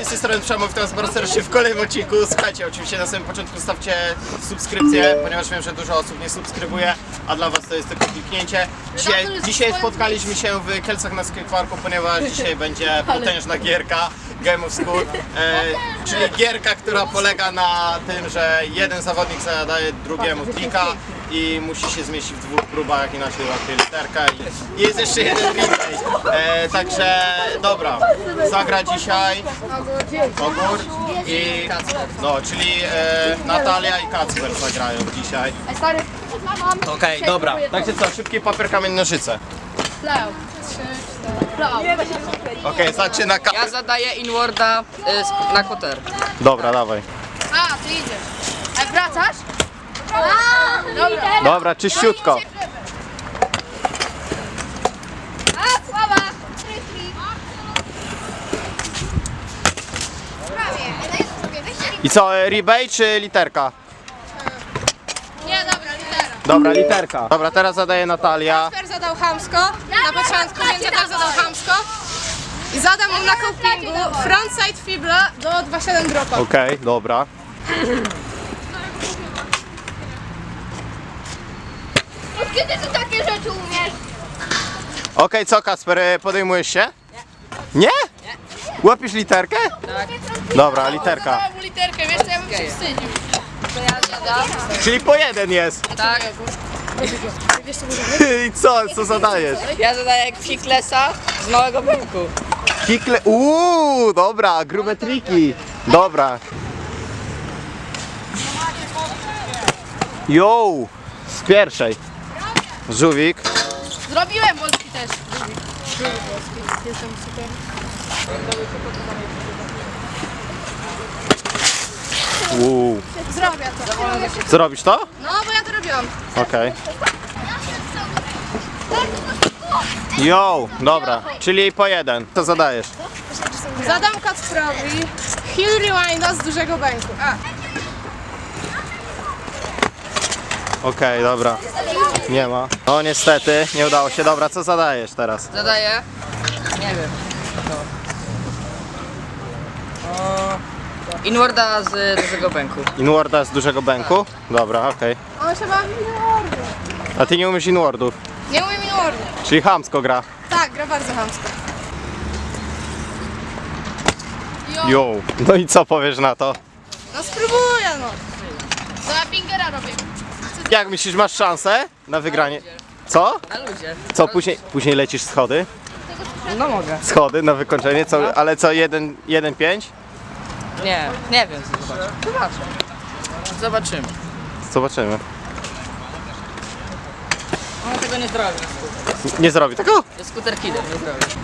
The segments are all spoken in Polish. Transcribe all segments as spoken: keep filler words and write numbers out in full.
cześć, z tej strony Przemo, witam was bardzo serdecznie w kolejnym odcinku. Słuchajcie, oczywiście na samym początku stawcie subskrypcję, ponieważ wiem, że dużo osób nie subskrybuje, a dla was to jest tylko kliknięcie. Dzisiaj, dzisiaj spotkaliśmy się w Kielcach na skateparku, ponieważ dzisiaj będzie potężna gierka Game of School, e, czyli gierka, która polega na tym, że jeden zawodnik zadaje drugiemu trika i musi się zmieścić w dwóch próbach, inaczej łapie literka i, i jest jeszcze jeden replay. E, także dobra, zagra dzisiaj Ogór i no, czyli e, Natalia i Kacper zagrają dzisiaj. Okej, okay, dobra. Także co, szybkie papier, kamień, nożyce. Okej, okay, zaczyna Kacper. Ja zadaję inwarda y, na koter. Dobra, dawaj. A, ty idziesz. A wracasz? A, dobra. Dobra, czyściutko. A, słaba. I co, e, rebate czy literka? Nie, dobra, litera. Dobra, literka. Dobra, teraz zadaje Natalia. Kasper zadał chamsko na początku, więc ja też zadał chamsko. I zadam mu na copingu frontside fibla do dwa przecinek siedem dropa. Okej, okay, dobra. Kiedy ty takie rzeczy umiesz? Okej, okay, co Kacper, e, podejmujesz się? Nie. Nie? Łapisz literkę? Tak. Dobra, literka. Zadałem mu literkę, wiesz co, ja bym się wstydził. To ja zadam. Czyli po jeden jest. Tak. I co, co zadajesz? Ja zadaję Fiklesa z małego bęku. Kikle, uuu, dobra, grube triki. Dobra. Yo, z pierwszej. Żółwik. Zrobiłem Polski też. Żółwik polski, jestem super. Uuu. Zrobię to. Zrobisz to? No, bo ja to robiłam. Okej. Okay. Yo, dobra, czyli po jeden. Co zadajesz? Zadam Kacprowi Hill Rewinda z dużego bęku. A. Okej, okay, dobra. Nie ma. No niestety, nie udało się. Dobra, co zadajesz teraz? Zadaję. Nie wiem. O, inwarda z dużego bęku. Inwarda z dużego bęku? Dobra, okej. On się bawi inwardy. Okay. A ty nie umiesz inwardów? Nie umiem inwardy. Czyli chamsko gra. Tak, gra bardzo chamsko. Yo. No i co powiesz na to? No spróbuję no. To ja pingera robię. Jak myślisz, masz szansę na wygranie? Co? Na luzie. Co, później, później lecisz schody? No mogę. Schody na wykończenie, co, ale co, jeden, jeden, pięć? Nie, nie wiem co zobaczę. Zobaczę. Zobaczymy. Zobaczymy. On tego nie zrobi. Nie zrobi tego? Jest skuter killer, nie zrobi.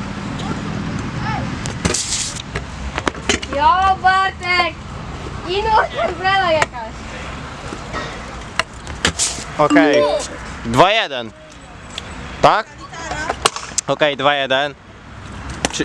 Jo, Bartek! Ino, brala jakaś. Okej. Okay. dwa jeden. Tak? Okej, okay, dwa jeden. Czy...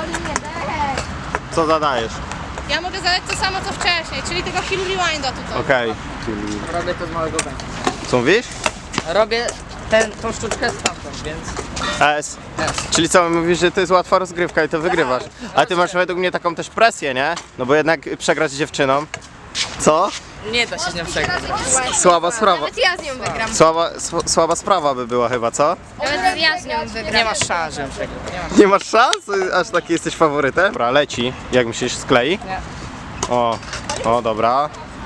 Co zadajesz? Ja mogę zadać to samo co wcześniej, czyli tego Hill Rewinda tutaj. Okej. Okay. Czyli... Robię to z małego bęku. Co mówisz? Robię ten, tą sztuczkę stamtąd, więc... S. S. Czyli co, mówisz, że to jest łatwa rozgrywka i to wygrywasz. A ty masz według mnie taką też presję, nie? No bo jednak przegrać z dziewczyną. Co? Nie da się z nią przegrać. Słaba sprawa. Nawet ja z nią wygram. Słaba, sł słaba sprawa by była chyba, co? Nawet ja z nią wygram. Nie masz szans, żebym przegrał. Nie masz. Nie masz szans? Aż taki jesteś faworytem? Dobra, leci. Jak myślisz, sklei? Nie. O, o, dobra.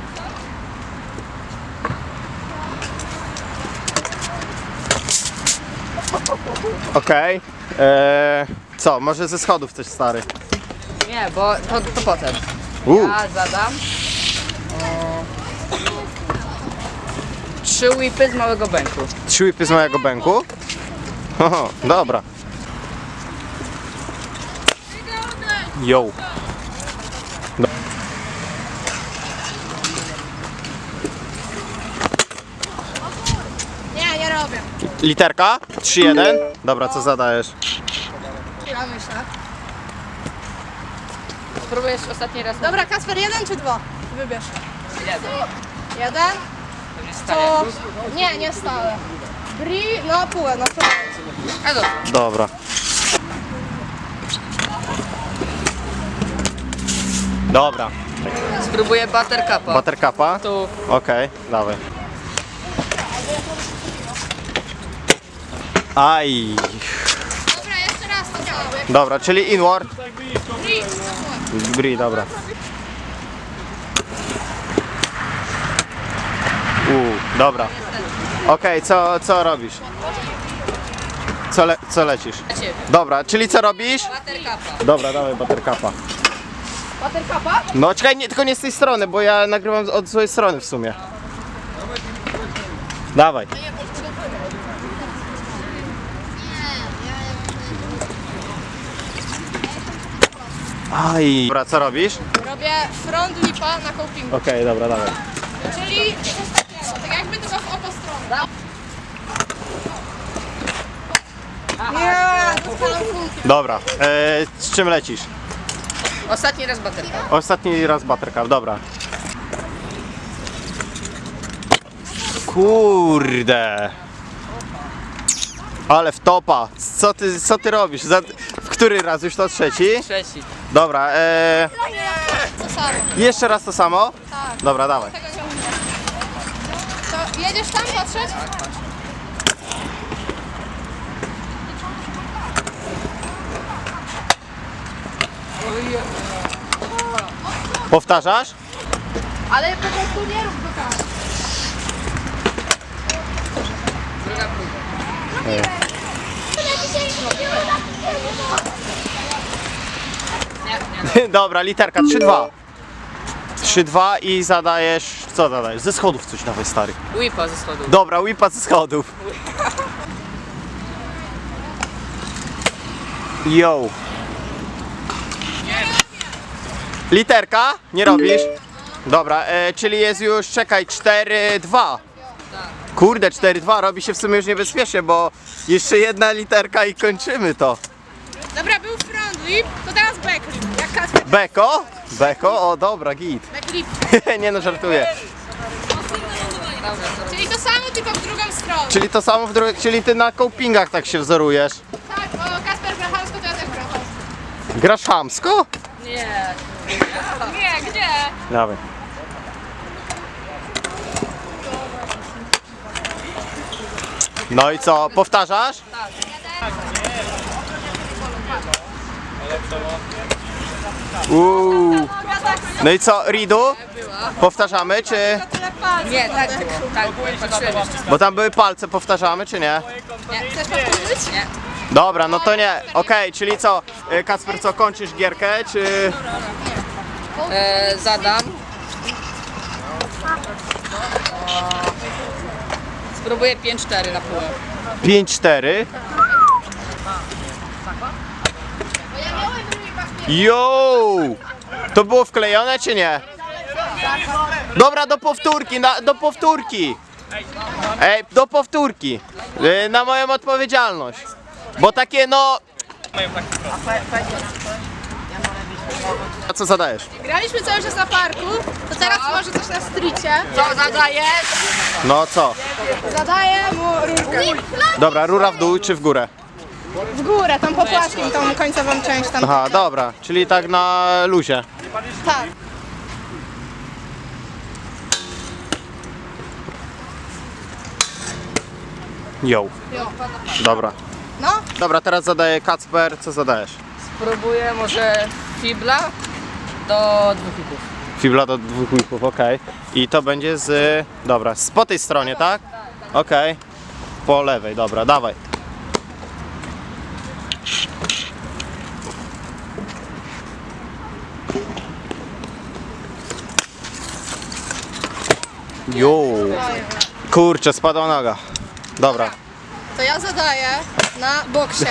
Okej. Okay. Eee, co, może ze schodów coś, stary? Nie, bo to, to potem. Uh. Ja zadam o, trzy whipy z małego bęku. Trzy whipy z mojego bęku? Oho, dobra. Yo. Do Nie, nie robię. Literka? trzy jeden. Dobra, co zadajesz? Ja myślę. Spróbujesz ostatni raz. Dobra, Kasper, jeden czy dwa? Wybierz. Jeden. Jeden? To To... Nie, nie stałe. Bri, no pół, no to... A dobra. Dobra. Dobra. Spróbuję buttercupa. Buttercupa? Tu. Okej, dawaj. Aj. Dobra, jeszcze raz to działa. Dobra, czyli inward. Bri, dobra. Uuu, dobra. Okej, co, co robisz? Co, le, co lecisz? Dobra, czyli co robisz? Buttercupa. Dobra, dawaj buttercupa. Buttercupa? No czekaj, nie, tylko nie z tej strony, bo ja nagrywam od złej strony w sumie. Dawaj. Aj. Dobra, co robisz? Robię front lipa na copingu. Okej, dobra, dawaj. Czyli coś takiego, tak jakby tylko w opo stronę. Nie, dostaną kulki. Dobra, e, z czym lecisz? Ostatni raz buttercup. Ostatni raz buttercup, dobra. Kurde. Ale w topa. Co ty, co ty robisz? Za, w który raz? Już to trzeci? Trzeci. Dobra, e, To samo. jeszcze raz to samo? Tak. Dobra, dawaj. Tego nie umiem. To jedziesz tam patrzeć? Powtarzasz? Ale po prostu nie rób go tak. Druga próba. Dobra, literka trzy dwa. trzy dwa i zadajesz... Co zadajesz? Ze schodów coś dawaj, stary. Whipa ze schodów. Dobra, whipa ze schodów. Yo. Literka? Nie robisz? Dobra, e, czyli jest już, czekaj, cztery dwa. Kurde, cztery dwa robi się w sumie już niebezpiecznie, bo jeszcze jedna literka i kończymy to. Dobra, był front lip, to teraz back lip. Jak Kacper. Beko? Beko? O, dobra, git. Back lip. Nie no, żartuję. Czyli to samo, tylko w drugą stronę. Czyli to samo w drugiej, czyli ty na copingach tak się wzorujesz. Tak, bo Kasper gra chamsko, to ja też gram chamsko. Grasz chamsko? Nie. Nie, gdzie? Dawaj. No i co, powtarzasz? Uuu. No i co, Ridu? Powtarzamy, czy... Nie, tak, tak, patrzyłem jeszcze. Bo tam były palce, powtarzamy, czy nie? Chcesz powtórzyć? Nie. Dobra, no to nie. Okej, czyli co, y, Kacper, co, kończysz gierkę, czy... E, zadam. Spróbuję pięć cztery na pół. pięć cztery? Yo! To było wklejone, czy nie? Dobra, do powtórki, na, do powtórki. Ej, do powtórki. Y, na moją odpowiedzialność. Bo takie no... A co zadajesz? Graliśmy cały czas na parku, to teraz może coś na streetie. Co zadajesz? No co? Zadaję mu rurkę. Dobra, rura w dół czy w górę? W górę, tą popłaszkiem, tą końcową część tam. Aha, dobra, czyli tak na luzie. Tak. Yo. Jo. Dobra. No, Dobra, teraz zadaję Kacper, co zadajesz? Spróbuję może fibla do dwóch hipów. Fibla do dwóch łipów, okej. I to będzie z... Dobra, z po tej stronie, tak? Okej. Po lewej, dobra, dawaj. Jo. Kurczę, spadła noga. Dobra. to ja zadaję na boksie.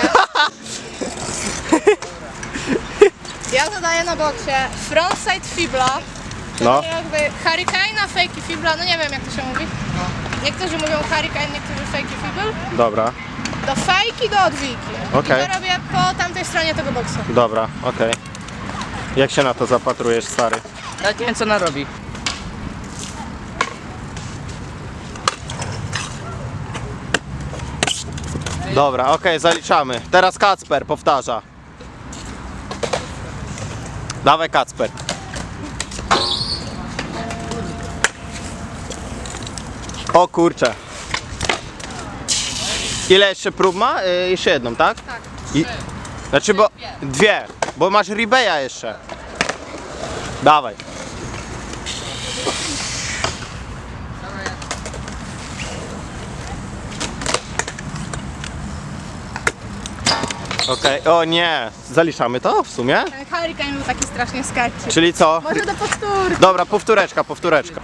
Ja zadaję na boksie frontside fibla. No. Jakby hurricane'a, fakey fibla, no nie wiem jak to się mówi. Niektórzy mówią hurricane, niektórzy fakey fibl. Dobra, Do fejki, do odwiki. Okej. I to robię po tamtej stronie tego boksu. dobra, okej. Jak się na to zapatrujesz, stary? Ja nie wiem co ona robi. Dobra, okej, zaliczamy. Teraz Kacper powtarza. Dawaj, Kacper. O kurczę. Ile jeszcze prób ma? Y, jeszcze jedną, tak? Tak. I, znaczy, bo dwie, bo masz Ribeya jeszcze. Dawaj. Okej, o nie, zaliczamy to w sumie? Ten Hurricane był taki strasznie sketchy. Czyli co? Może do powtórki. Dobra, powtóreczka, powtóreczka.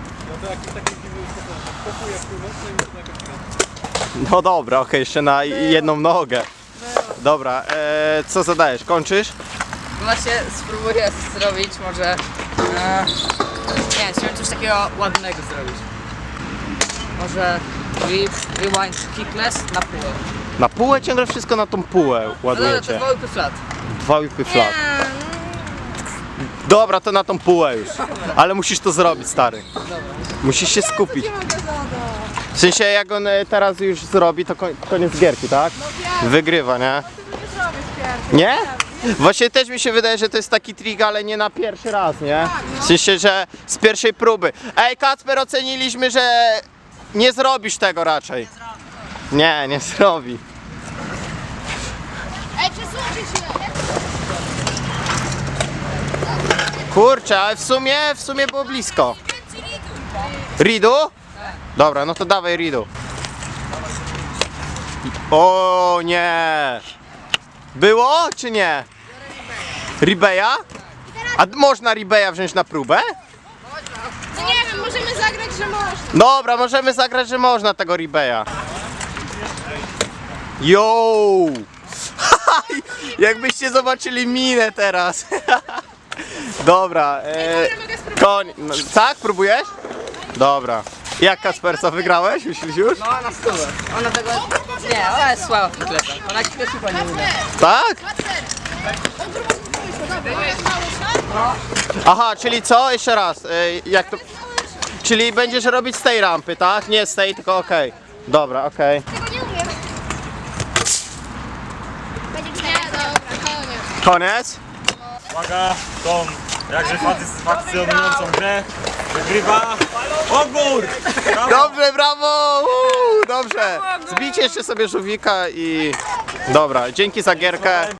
No dobra, okej, jeszcze na jedną nogę. Dobra, e, co zadajesz? Kończysz? Właśnie spróbuję zrobić może... E, nie wiem, chciałem coś takiego ładnego zrobić. Może re, rewind kickless na pół. Na półę ciągle wszystko na tą półę No dobra, to ładujecie. dwa łupy flat. Dwa łupy flat. Nie, Dobra, to na tą półę już. Ale musisz to zrobić, stary. Musisz się skupić. nie mogę zadać. W sensie jak on e, teraz już zrobi, to koń- koniec gierki, tak? Wygrywa, nie? Ty nie zrobisz pierwszy. Nie? Właśnie też mi się wydaje, że to jest taki trik, ale nie na pierwszy raz, nie? W sensie, że z pierwszej próby. Ej, Kacper, oceniliśmy, że nie zrobisz tego raczej. Nie, nie zrobi. Ej, przesuńcie się. Kurczę, ale w sumie, w sumie było blisko. Ridu? Dobra, no to dawaj Ridu. O nie! Było czy nie? Ribeya? A d- można Ribeya wziąć na próbę? No nie wiem, możemy zagrać, że można. Dobra, możemy zagrać, że można tego Ribeya. Yo! Jakbyście zobaczyli minę teraz. Dobra, e, mogę spróbować. koń. No, tak, próbujesz? Dobra. Jak Kasper, co wygrałeś? Myślisz już? No na stówę. Ona tego... Nie, ona jest słaba w kicklessa. Ona kicklessu nie uda. Tak? Aha, czyli co? Jeszcze raz. E, jak to... Czyli będziesz robić z tej rampy, tak? Nie z tej, tylko okej. Dobra, okej. Tego nie umiem. Będzie nie, dobra, koniec. Koniec? Uwaga, tą jakże satysfakcjonującą grę wygrywa Ogór! Brawo! Dobrze, brawo! Uuu, dobrze. Zbijcie jeszcze sobie żółwika i... Dobra, dzięki za gierkę.